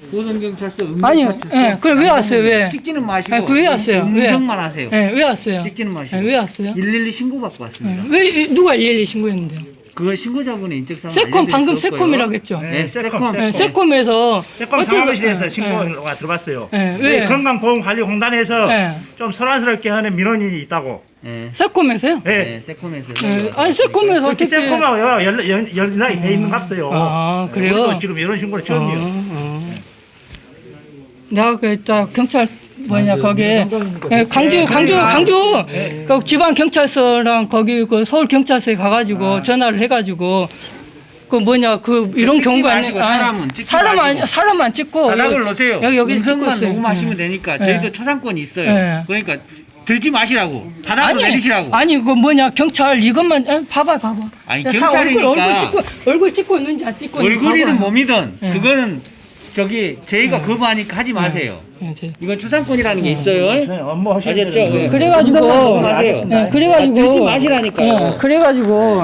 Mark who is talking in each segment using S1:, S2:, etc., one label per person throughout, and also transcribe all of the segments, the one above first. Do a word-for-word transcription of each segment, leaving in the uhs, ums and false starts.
S1: 보성경찰서
S2: 아니,
S1: 응급파출소.
S2: 예, 그럼 왜 왔어요? 왜?
S1: 찍지는 마시고.
S2: 아니, 그왜 왔어요? 왜?
S1: 음성만 하세요.
S2: 예, 왜 왔어요?
S1: 찍지는 마시고.
S2: 예, 왜 왔어요?
S1: 일일이 신고받고 왔습니다.
S2: 예, 왜 누가 일일이 신고했는데요?
S1: 그걸 신고자분의 인적사항
S2: 세콤 방금 세콤이라고 했죠.
S1: 네, 세콤.
S2: 예, 세콤에서
S3: 세콤
S2: 어쨌든-
S3: 상황실에서
S2: 예,
S3: 신고가 들어왔어요.
S2: 예, 왜?
S3: 건강보험관리공단에서
S2: 예.
S3: 좀 소란스럽게 하는 민원이 있다고.
S1: 네.
S2: 세콤에서요?
S3: 예.
S1: 네, 세콤에서.
S2: 예, 아니 세콤에서
S3: 그렇게
S2: 어떻게?
S3: 세콤하고 연락, 연, 연락이 돼 있는 값어요.
S2: 아, 그래요?
S3: 우리도 지금 이런 신고를 처음이에요.
S2: 어, 어. 내가 그랬다 경찰 뭐냐 거기에 예, 강주 강주 강주 그 지방 경찰서랑 거기 그 서울 경찰서에 가가지고 전화를 해가지고 그 뭐냐 그 이런
S1: 찍지
S2: 경우가
S1: 마시고
S2: 아니-
S1: 사람은 찍지
S2: 사람
S1: 마시고.
S2: 안 사람만 찍고
S1: 바닥을
S2: 여기-
S1: 놓으세요.
S2: 여기 여기 찍고
S1: 음성만
S2: 있어요.
S1: 녹음하시면
S2: 예.
S1: 되니까
S2: 예.
S1: 저희도 초상권이 있어요.
S2: 예.
S1: 그러니까 들지 마시라고. 바닥으로 내리시라고.
S2: 아니 그 뭐냐 경찰 이것만 에, 봐봐 봐봐.
S1: 아니,
S2: 야, 사-
S1: 경찰이니까.
S2: 얼굴, 얼굴 찍고 얼굴 찍고 있는지 안 찍고 있는지
S1: 얼굴이든
S2: 봐봐.
S1: 몸이든
S2: 예.
S1: 그거는 저기 저희가 거부하니까 하지 마세요.
S2: 예, 제-
S1: 이건 초상권이라는 게 있어요.
S3: 네, 업무 하셔야
S1: 아셨죠?
S3: 되는데.
S1: 네.
S2: 그래가지고
S1: 녹음하세요.
S2: 예, 그래가지고
S1: 아, 들지 마시라니까요.
S2: 예, 그래가지고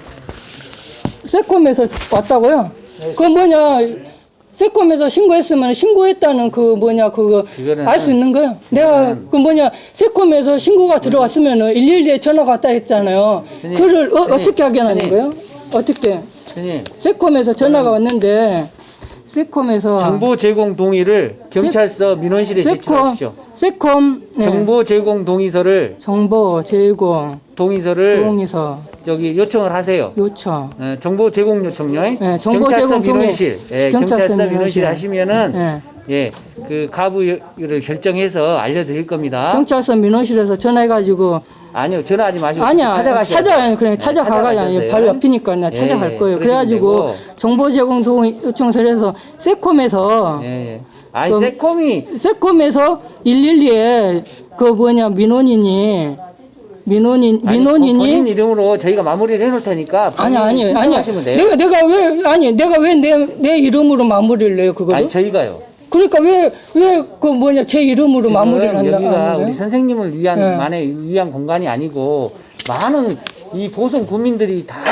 S2: 세콤에서 왔다고요. 그 뭐냐 세콤에서 신고했으면 신고했다는 그 뭐냐 그거
S1: 이거는-
S2: 알 수 있는 거예요. 내가 그 뭐냐 세콤에서 신고가 들어왔으면은 일일이에 전화가 왔다 했잖아요.
S1: 스님,
S2: 그를 어,
S1: 스님,
S2: 어떻게 확인하는
S1: 스님.
S2: 거예요? 어떻게?
S1: 스님,
S2: 세콤에서 전화가 왔는데 세콤에서
S1: 정보 제공 동의를 경찰서 민원실에
S2: 세콤
S1: 제출하십시오.
S2: 세콤 네.
S1: 정보 제공 동의서를
S2: 정보 제공
S1: 동의서를
S2: 동의서
S1: 저기 요청을 하세요.
S2: 요청.
S1: 예, 정보 제공 요청요.
S2: 네, 정보
S1: 경찰서
S2: 제공 동의.
S1: 민원실, 예,
S2: 경찰서
S1: 경찰서 민원실
S2: 민원실.
S1: 하시면은
S2: 네.
S1: 예, 그 가부를 결정해서 알려드릴 겁니다.
S2: 경찰서 민원실에서 전화해가지고
S1: 아니요, 전화하지 마시고
S2: 아니야
S1: 찾아가세요.
S2: 찾아 그냥 찾아가가 아니 바로 옆이니까 나 찾아갈
S1: 예,
S2: 거예요.
S1: 그러시면
S2: 그래가지고
S1: 되고.
S2: 정보 제공 동의 요청서에서 세콤에서
S1: 예, 예. 아니
S2: 그럼-
S1: 세콤이
S2: 세콤에서 일일이에 그 뭐냐 민원인이 민원인
S1: 아니,
S2: 민원인이
S1: 본인 이름으로 저희가 마무리를 해놓을 테니까
S2: 아니 아니 아니
S1: 신청하시면 돼요.
S2: 내가 내가 왜 아니 내가 왜 내 내 이름으로 마무리를 해요 그거를?
S1: 아니 저희가요.
S2: 그러니까 왜 왜 그 뭐냐 제 이름으로
S1: 지금
S2: 마무리를 한다
S1: 여기가
S2: 하는 거예요?
S1: 우리 선생님을 위한
S2: 네.
S1: 만의 위한 공간이 아니고 많은 이 보성 구민들이 다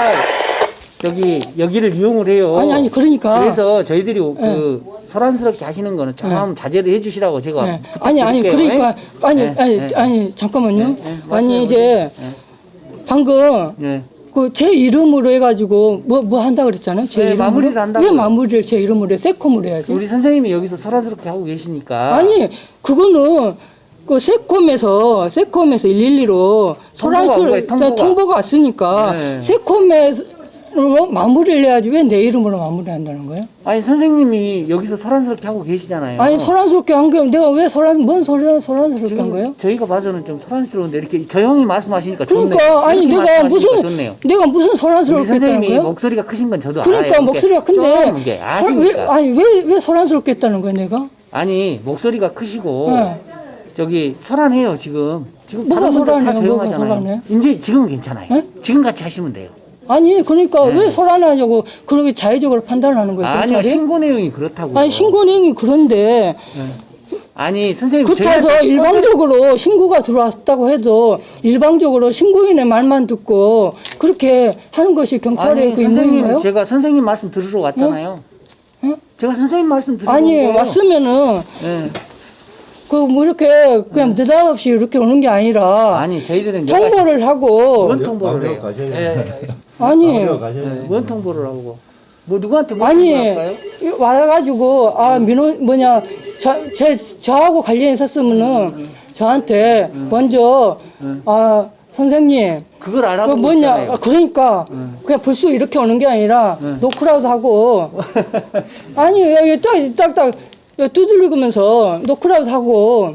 S1: 저기 여기를 이용을 해요.
S2: 아니 아니 그러니까
S1: 그래서 저희들이 그 소란스럽게 하시는 거는 좀 자제를 해주시라고 제가
S2: 네.
S1: 부탁드릴게요.
S2: 아니 아니 그러니까 아니
S1: 네,
S2: 아니
S1: 네.
S2: 아니 잠깐만요.
S1: 네, 네.
S2: 아니 이제 방금
S1: 네.
S2: 그 제 이름으로 해가지고 뭐 뭐 한다 그랬잖아요. 제
S1: 네,
S2: 이름으로
S1: 마무리를 한다고요.
S2: 왜 마무리를 제 이름으로 해? 세콤으로 해야지.
S1: 우리 선생님이 여기서 소란스럽게 하고 계시니까
S2: 아니 그거는 그 세콤에서 세콤에서 일일이로
S1: 통보가 온
S2: 소란스러
S1: 거예요, 통보가.
S2: 통보가 왔으니까
S1: 네.
S2: 세콤에서 마무리를 해야지 왜 내 이름으로 마무리한다는 거예요?
S1: 아니 선생님이 여기서 소란스럽게 하고 계시잖아요.
S2: 아니 소란스럽게 한 게 내가 왜 소란 뭔 소란 소란스럽게 한 거예요?
S1: 지금 저희가 봐서는 좀 소란스러운데 이렇게 조용히 말씀하시니까 좋네요.
S2: 그러니까 아니
S1: 이렇게
S2: 내가
S1: 말씀하시니까
S2: 무슨
S1: 좋네요.
S2: 내가 무슨
S1: 우리
S2: 소란스럽게 했다는
S1: 선생님이
S2: 거예요?
S1: 목소리가 크신 건 저도
S2: 그러니까
S1: 알아요.
S2: 목소리가
S1: 좀
S2: 큰데
S1: 이게
S2: 소-
S1: 아시니까.
S2: 왜, 아니 왜 왜 소란스럽게 했다는 거예요 내가?
S1: 아니 목소리가 크시고
S2: 네.
S1: 저기 소란해요 지금. 지금
S2: 뭐가
S1: 다른 분들 다
S2: 소란해요?
S1: 조용하잖아요.
S2: 뭐가 소란해요?
S1: 이제 지금은 괜찮아요.
S2: 네?
S1: 지금 같이 하시면 돼요.
S2: 아니 그러니까
S1: 네.
S2: 왜 소란하냐고 그렇게 자의적으로 판단하는 거예요
S1: 아니요
S2: 경찰이?
S1: 신고 내용이 그렇다고요.
S2: 아니 신고내용이 그런데
S1: 아니 선생님
S2: 그렇다고
S1: 저희한테
S2: 일방적으로 신고가 들어왔다고 해도 일방적으로 신고인의 말만 듣고 그렇게 하는 것이 경찰의
S1: 아니
S2: 그
S1: 선생님
S2: 임무인가요?
S1: 제가 선생님 말씀 들으러 왔잖아요.
S2: 응?
S1: 제가 선생님 말씀 들으러
S2: 아니
S1: 온 거예요.
S2: 왔으면은
S1: 예.
S2: 그 뭐 이렇게 그냥 느닷없이 이렇게 오는 게 아니라
S1: 아니 저희들은 여가
S2: 통보를 하고
S1: 원 통보를 해요.
S4: 가셔야
S2: 아니
S1: 네, 원 통보를 하고 뭐 누구한테 뭐
S2: 아니
S1: 통보할까요?
S2: 와가지고 아 민원 뭐냐 저, 제 저하고 관련이 있었으면은 저한테 먼저 아 선생님
S1: 그걸
S2: 그
S1: 알아보고
S2: 뭐냐
S1: 있잖아요.
S2: 아, 그러니까 그냥 불쑥 이렇게 오는 게 아니라 노크라도 하고 아니 여기 딱딱딱 두들리면서 노크라도 하고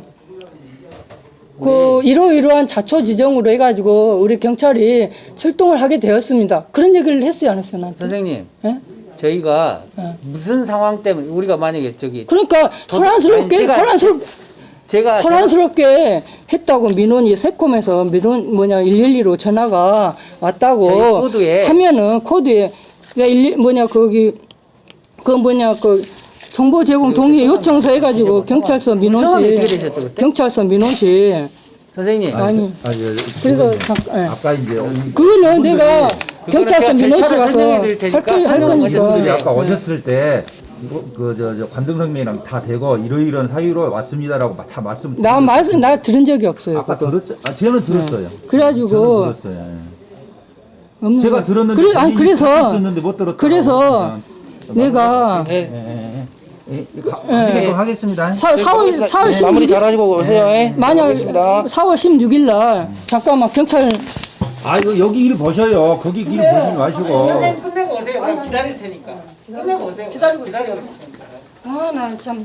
S2: 그 이러이러한 자초 지정으로 해가지고 우리 경찰이 출동을 하게 되었습니다. 그런 얘기를 했어요, 안 했어요, 나한테?
S1: 선생님
S2: 예?
S1: 저희가 무슨 상황 때문에 우리가 만약에 저기
S2: 그러니까 소란스럽게
S1: 아니, 제가-
S2: 소란스럽
S1: 제가
S2: 소란스럽게 했다고 민원이 세콤에서 민원 뭐냐 일일이로 전화가 왔다고
S1: 저희 코드에-
S2: 하면은 코드에 일 뭐냐 거기 그 뭐냐 그 정보 제공 동의 요청서 해가지고 경찰서
S1: 성함이
S2: 민원실
S1: 어떻게 되셨죠, 그때?
S2: 경찰서 민원실
S1: 선생님
S2: 아니
S4: 아니,
S2: 그래서 잠깐 예.
S4: 아까 이제
S2: 그거는 내가
S1: 그거는
S2: 경찰서
S1: 제가
S2: 민원실
S1: 절차를
S2: 가서
S1: 설명해 드릴 테니까
S2: 할, 거, 할
S1: 설명을
S2: 거니까
S4: 분들이 아까 오셨을 때 그저 저 관등성명이랑 다 되고 이러이러한 사유로 왔습니다라고 마- 다 말씀.
S2: 나 말씀 나 들은 적이 없어요.
S4: 아까
S2: 그거.
S4: 들었죠? 아, 저는 들었어요.
S2: 그래가지고
S4: 저는 들었어요. 예.
S2: 없는
S4: 제가
S2: 거.
S4: 들었는데
S2: 그래, 아니
S4: 본인이
S2: 그래서
S4: 있었는데 못 들었다.
S2: 그래서 내가
S1: 예.
S4: 예, 예, 예. 가- 하시게끔 하겠습니다.
S2: 사, 사월 사월
S1: 네, 마무리
S2: 16일
S1: 잘하시고 오세요. 예.
S2: 만약
S1: 알겠습니다.
S2: 사월 십육일 날 잠깐만 경찰
S4: 아 이거 여기 일 보셔요. 거기 일 보시지 마시고.
S1: 선생님 끝내고 오세요. 그냥 기다릴 테니까. 끝내고 오세요.
S2: 기다리고
S1: 기다리고
S2: 있어요. 아 나 참.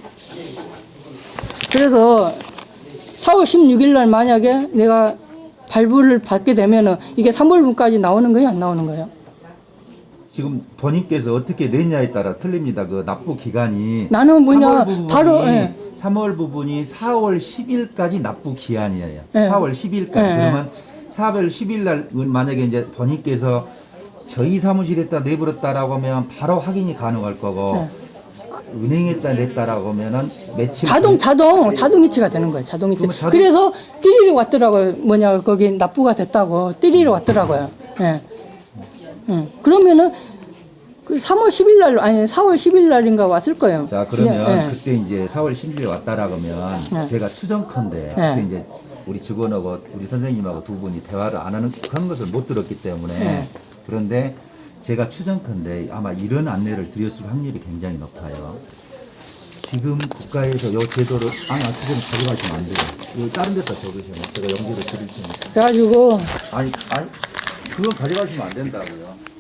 S2: 그래서 사월 십육일 날 만약에 내가 발부를 받게 되면은 이게 삼월분까지 나오는 거예요, 안 나오는 거예요?
S4: 지금 본인께서 어떻게 냈냐에 따라 틀립니다. 그 납부 기간이
S2: 나는 뭐냐,
S4: 삼월 부분이
S2: 바로, 예.
S4: 삼월 부분이 사월 십일까지 납부 기한이에요.
S2: 예.
S4: 사월 십일까지.
S2: 예.
S4: 그러면 사월 십일 날 만약에 이제 본인께서 저희 사무실에다 내버렸다라고 하면 바로 확인이 가능할 거고
S2: 네.
S4: 은행에다 냈다라고 하면은 며칠
S2: 자동, 자동, 자동 이체가 되는 거예요, 자동 이체.
S4: 그러면 자동-
S2: 그래서 띠리리 왔더라고요. 뭐냐, 거기 납부가 됐다고. 띠리리 왔더라고요. 예. 예. 그러면은 그 삼월 십일 날, 아니, 사월 십일 날인가 왔을 거예요.
S4: 자 그러면
S2: 예.
S4: 그때 이제 사월 십일에 왔다라고 하면
S2: 네.
S4: 제가 추정컨대
S2: 네.
S4: 그때 이제 우리 직원하고 우리 선생님하고 두 분이 대화를 안 하는 그런 것을 못 들었기 때문에
S2: 네.
S4: 그런데 제가 추정컨대 아마 이런 안내를 드렸을 확률이 굉장히 높아요. 지금 국가에서 요 제도를 아니 아까 좀 가져가시면 안 돼요. 이거 다른 데다 적으시면 제가 연결을 드릴 테니까.
S2: 그래가지고
S4: 아니 아니 그건 가져가시면 안 된다고요.